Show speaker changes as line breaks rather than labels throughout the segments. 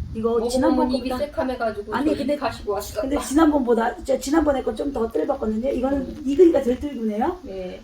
이거 지난번
입이
거보다
새카매가지고
아니, 근데-
가시고 왔어.
근데 지난번보다 지난번에 거 좀 더 뜰봤거든요. 이거는 익으니까 덜 뜰구네요.
네.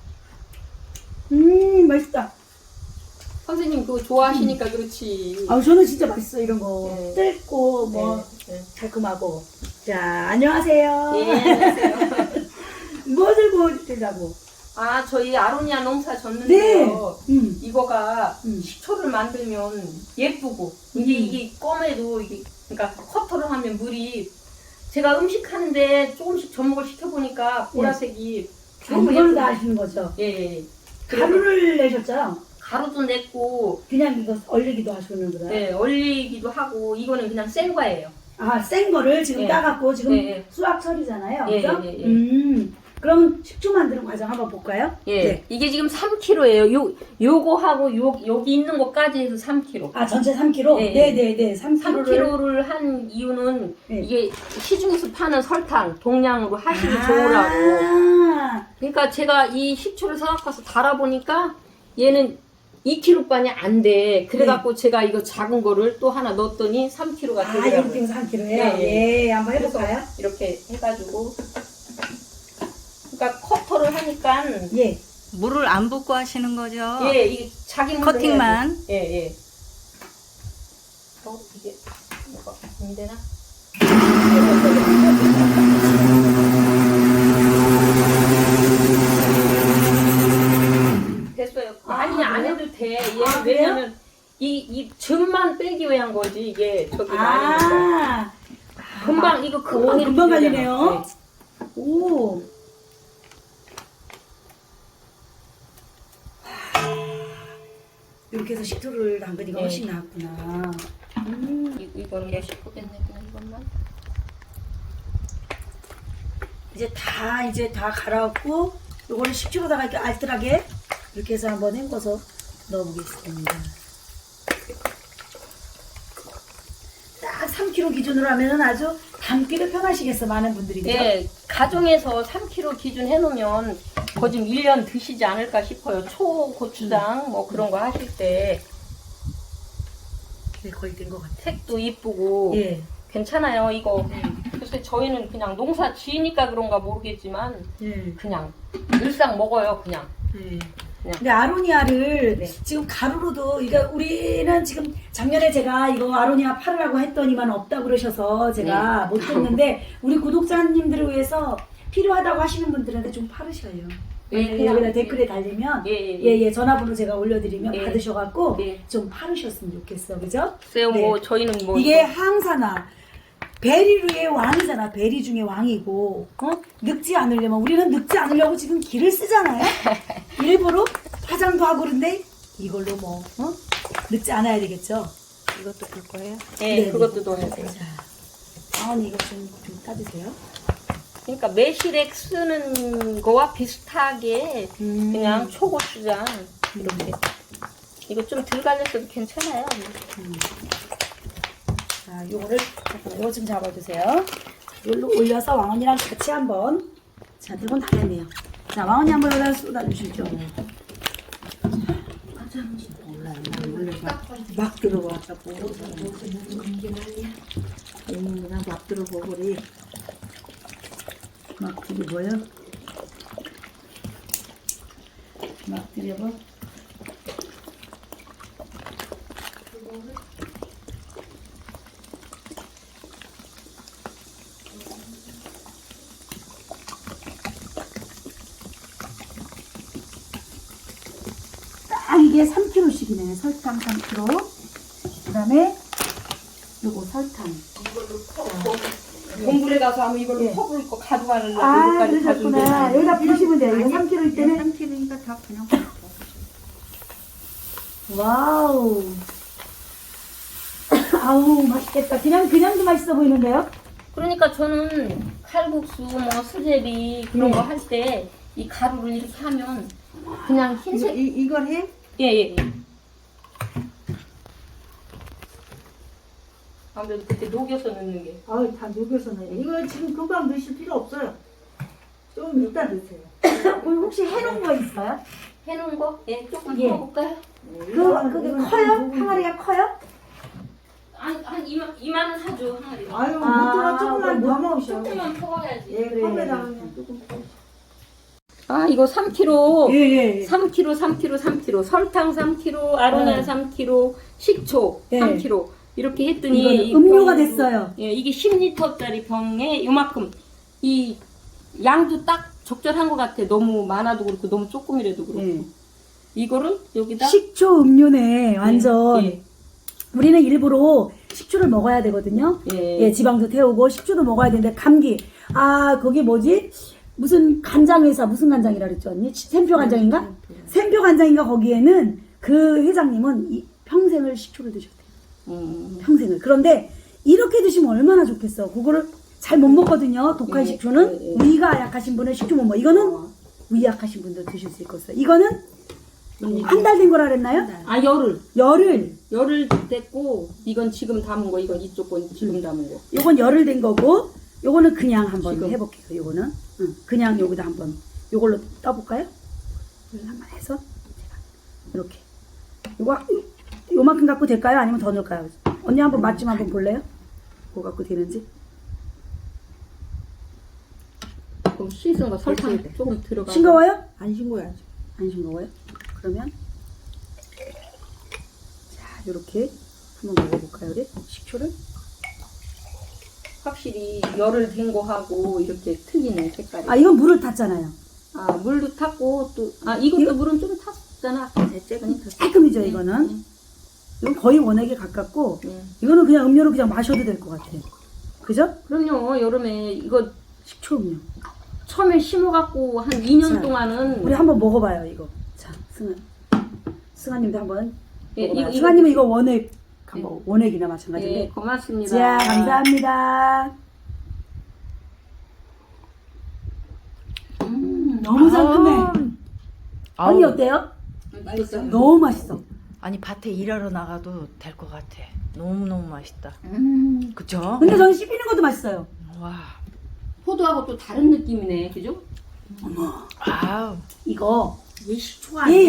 맛있다.
선생님 그거 좋아하시니까 그렇지.
아 저는 진짜 맛있어 이런 거.
네.
뜰고 뭐
네.
달콤하고. 자 안녕하세요.
예, 안녕하세요.
뭐 들고 드리라고?
아, 저희 아로니아 농사
네.
졌는데요. 이거가
음.
식초를 만들면 예쁘고 이게 껌에도 이게 그러니까 커터를 하면 물이 제가 음식 하는데 조금씩 접목을 시켜보니까 보라색이 너무
이걸로
예쁘-
다 하시는 거죠?
예.
가루를 내셨죠?
가루도 냈고
그냥 이거 얼리기도 하시는구나.
네, 얼리기도 하고 이거는 그냥 생 거예요.
아, 센 거를 지금
네.
따갖고 지금
네.
수확철이잖아요.
예,
그죠?
예, 예.
그럼 식초 만드는 과정 한번 볼까요?
예.
네.
이게 지금 3kg예요. 요거하고 여기 있는 것까지 해서 3kg.
아, 전체 3kg?
네.
네네네. 3kg를.
3kg를 한 이유는
네.
이게 시중에서 파는 설탕 동량으로 하시기 좋으라고. 그러니까 제가 이 식초를 사갖고서 달아보니까 얘는 2kg반이 안 돼. 그래갖고 제가 이거 작은 거를 또 하나 넣었더니 3kg가
아,
되더라고요.
이렇게 해서 3kg예요?
네.
예, 한번 해볼까요?
이렇게 해가지고. 그러니까 커터를 하니까
예.
물을 안 붓고 하시는 거죠?
예, 이게 자기 물로
커팅만.
해야지. 예. 이게 뭐가 안 되나? 됐어요. 많이 안
그래요?
해도 돼. 얘
아, 그래요?
왜냐면 이 즙만 빼기 위한 거지 이게 저기 많이 거.
아,
금방 이거 금방
오,
이렇게
금방
되잖아.
갈리네요. 오. 이렇게 해서 식초를 담그니까
네.
훨씬 나았구나.
이거는 뭐 싶겠네 그냥 이것만.
이제 다 갈아엎고 요거를 식초로다가 이렇게 알뜰하게 이렇게 해서 한번 헹궈서 넣어보겠습니다. 딱 3kg 기준으로 하면은 아주 담기도 편하시겠어 많은 분들이. 그죠?
네, 가정에서 3kg 기준 해놓으면 거의 좀 1년 드시지 않을까 싶어요. 초고추장 뭐 그런 거 하실 때
네, 거의 된 것 같아요.
색도 이쁘고
예.
괜찮아요 이거. 그래서 저희는 그냥 농사 지으니까 그런가 모르겠지만
예.
그냥 일상 먹어요 그냥.
네.
그냥.
근데 아로니아를
네.
지금 가루로도, 그러니까 우리는 지금 작년에 제가 이거 아로니아 팔으라고 했더니만 없다고 그러셔서 제가 못 줬는데 우리 구독자님들을 위해서 필요하다고 하시는 분들한테 좀 팔으셔요.
예,
여기다 댓글에 달리면
예.
전화번호 제가 올려드리면
예.
받으셔갖고
예.
좀 팔으셨으면 좋겠어, 그죠?
글쎄요
네.
뭐 저희는 뭐
이게 항산화 베리류의 왕이잖아. 베리 중에 왕이고 늙지 않으려면 우리는 늙지 않으려고 지금 기를 쓰잖아요. 일부러 화장도 하고 그런데 이걸로 뭐 늙지 않아야 되겠죠.
이것도 볼 거예요?
예,
네,
그것도 넣어야 돼요.
자, 아니 이거 좀 따주세요.
그러니까 매실액 쓰는 거와 비슷하게 그냥 초고추장 이렇게. 이거 좀 덜 갈렸어도 괜찮아요.
자, 요거를 잠깐만, 요거 좀 잡아주세요. 이걸로 올려서 왕언니랑 같이 한번. 자, 들고 나겠네요. 자, 왕언니 한번 여기다 쏟아주시죠. 막 들어가자고. 그냥 막 들어보고리. 막 들어보여. 막 들여봐. 딱 이게 3kg씩이네. 설탕 3kg. 그 다음에 요거 설탕.
동굴에 가서 하면 이걸로
예.
퍼부을 거 가져가려고
아,
여기까지
그러셨구나. 여기다 부으시면 돼요. 이거 3kg 때문에.
3kg니까 다 그냥
와우. 아우, 맛있겠다. 그냥도 맛있어 보이는데요?
그러니까 저는 칼국수, 뭐 수제비 그런 거 할 때 이 가루를 이렇게 하면 그냥 흰색.
이걸 해?
예. 아무래도 그때 녹여서 넣는 게.
아우, 다 녹여서는. 이거 지금 금방 넣으실 필요 없어요. 좀 이따 넣으세요. 오늘 혹시 해놓은 거 있어요?
해놓은 거? 예, 조금
예.
풀어볼까요?
그게 커요? 항아리가 커요?
한 이만은 하죠 항아리.
아유, 못
아,
들어 조금만 더 먹으셔.
조금만 퍼가야지.
예, 그래.
컵에다가 조금.
아 이거 3kg.
예, 예.
3kg. 설탕 3kg, 아로니아
네.
3kg, 식초
네.
3kg. 이렇게 했더니
이거는
이
음료가
병-
됐어요.
예, 이게 10리터짜리 병에 요만큼 이 양도 딱 적절한 것 같아. 너무 많아도 그렇고 너무 조금이라도 그렇고.
예.
이거를 여기다
식초 음료네, 완전.
예,
우리는 일부러 식초를 먹어야 되거든요.
예.
예, 지방도 태우고 식초도 먹어야 되는데 감기. 아, 거기 뭐지? 무슨 간장 회사 무슨 간장이라 그랬죠, 언니? 샘표 간장인가? 샘표 간장인가 거기에는 그 회장님은 평생을 식초를 드셨대요. 평생을. 그런데 이렇게 드시면 얼마나 좋겠어. 그거를 잘 못 먹거든요. 독한
예,
식초는
예, 예.
위가 약하신 분은 식초 못 먹어. 이거는 위 약하신 분들 드실 수 있겠어요. 이거는 한 달 된 거라 그랬나요?
아 열을 됐고 이건 지금 담은 거, 이건 이쪽 건 지금 담은 거.
요건 열흘 된 거고, 요거는 그냥 한번
지금.
해볼게요. 요거는 그냥 여기다 한번 요걸로 떠볼까요? 이걸 한번 해서 제가 이렇게 요만큼 갖고 될까요? 아니면 더 넣을까요? 언니 한번 맛 좀 한번 볼래요? 뭐 갖고 되는지?
그럼 씻은 거 설탕
됐어요.
조금 들어가.
싱거워요?
안 싱거워야지.
안 싱거워요? 그러면 자 요렇게 한번 먹어볼까요? 우리 식초를?
확실히 열을 된 거 하고 이렇게 틀리네 색깔이.
아 이건 물을 탔잖아요.
아 물도 탔고 또 이것도
이거-
물은 좀 탔잖아. 아까 조금 탔어.
깔끔이죠 이거는. 이건 거의 원액에 가깝고
네.
이거는 그냥 음료로 그냥 마셔도 될 것 같아요. 그죠?
그럼요. 여름에 이거
식초 음료.
처음에 심어갖고 한 2년
자,
동안은
우리 한번 먹어봐요 이거. 자 승아님도 한번
예,
먹어봐요.
이거-
승아님은 이거 원액 한번 원액이나 마찬가지인데.
예, 고맙습니다.
자 감사합니다. 너무 상큼해. 언니 어때요?
맛있어.
너무 맛있어.
아니 밭에 일하러 나가도 될 것 같아. 너무너무 맛있다. 그쵸?
근데 저는 씹히는 것도 맛있어요.
와.
포도하고 또 다른 느낌이네, 그죠?
아우.
이거
얘 식초 아니야.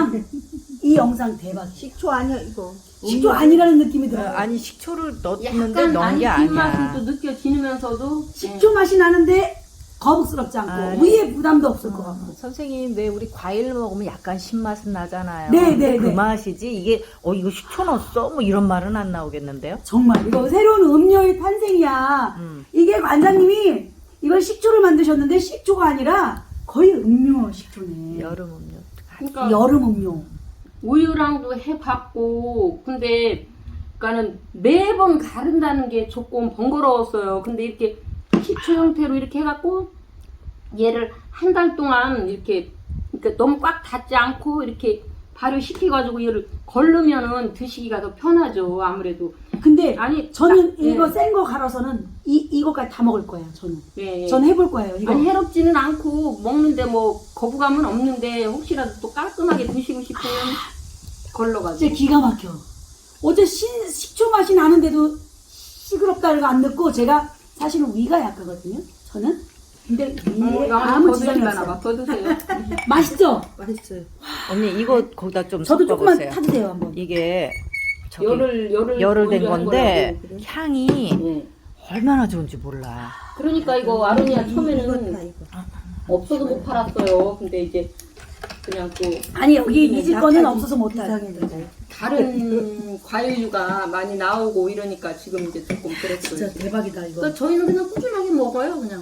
이 영상 대박.
식초 아니야 이거.
식초 아니라는 느낌이
어,
들어요.
아니 식초를 넣었는데
약간
넣은 게
안 뒷맛은
아니야.
또 느껴지면서도
식초 맛이 나는데 거북스럽지 않고
아,
위에 부담도 없을 것 같고.
선생님 왜 우리 과일 먹으면 약간 신맛은 나잖아요.
네,
근데
네,
그
네.
맛이지 이게 이거 식초 넣었어? 뭐 이런 말은 안 나오겠는데요?
정말 이거 새로운 음료의 탄생이야. 이게 관장님이 이걸 식초를 만드셨는데 식초가 아니라 거의 음료 식초네.
여름 음료.
그러니까
여름 음료.
우유랑도 해봤고 근데 그러니까는 매번 가른다는 게 조금 번거로웠어요. 근데 이렇게 식초 형태로 이렇게 해갖고 얘를 한 달 동안 이렇게 그러니까 너무 꽉 닫지 않고 이렇게 발효시켜가지고 얘를 걸르면은 드시기가 더 편하죠. 아무래도
근데
아니
저는
예.
이거 센 거 갈아서는 이거까지 다 먹을 거예요. 저는.
예, 예.
저는 해볼 거예요. 이거.
아니 해롭지는 않고 먹는데 뭐 거부감은 없는데 혹시라도 또 깔끔하게 드시고 싶으면
진짜
걸러가지고
기가 막혀. 어제 식초 맛이 나는데도 시끄럽다고 안 듣고 제가 사실은 위가 약하거든요. 저는. 근데 위에 아무 지장이 없어요.
더 드세요.
맛있죠?
맛있어요.
언니 이거 거기다 좀
저도 조금만
섞어보세요.
타주세요 한번.
이게 저기
열을
된
먼저 한
건데
거라고.
향이
예.
얼마나 좋은지 몰라.
그러니까 이거 아로니아
이거다
처음에는
이거.
없어서 못 팔았어요. 근데 이제 그냥 또
아니 여기 이 집 거는
약간
없어서 못 타요.
이상해졌어요.
다른 과일류가 많이 나오고 이러니까 지금 이제 조금 그랬어요.
진짜 대박이다 이거.
그러니까 저희는 그냥 꾸준하게 먹어요, 그냥.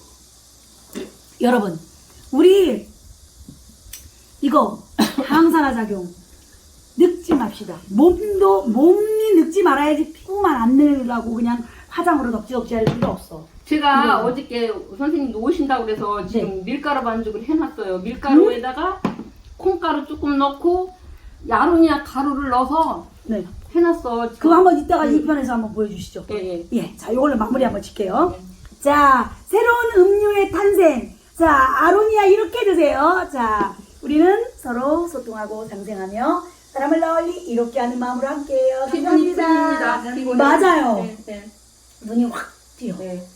여러분 우리 이거 항산화 작용 늙지 맙시다. 몸이 늙지 말아야지 피부만 안 늙으려고 그냥 화장으로 덕지덕지 할 필요 없어.
제가
이거.
어저께 선생님도 오신다고 그래서 지금 밀가루 반죽을 해놨어요. 밀가루에다가 콩가루 조금 넣고 아로니아 가루를 넣어서
네.
해놨어. 지금.
그거 한번 이따가 이 편에서 한번 보여주시죠.
예, 예.
예, 자, 이걸로 마무리 한번 짓게요. 자, 새로운 음료의 탄생. 자, 아로니아 이렇게 드세요. 자, 우리는 서로 소통하고 상생하며 사람을 널리 이롭게 하는 마음으로 함께해요.
기분이
감사합니다.
풉니다. 기분이.
맞아요.
네, 네.
눈이 확 띄어.
네.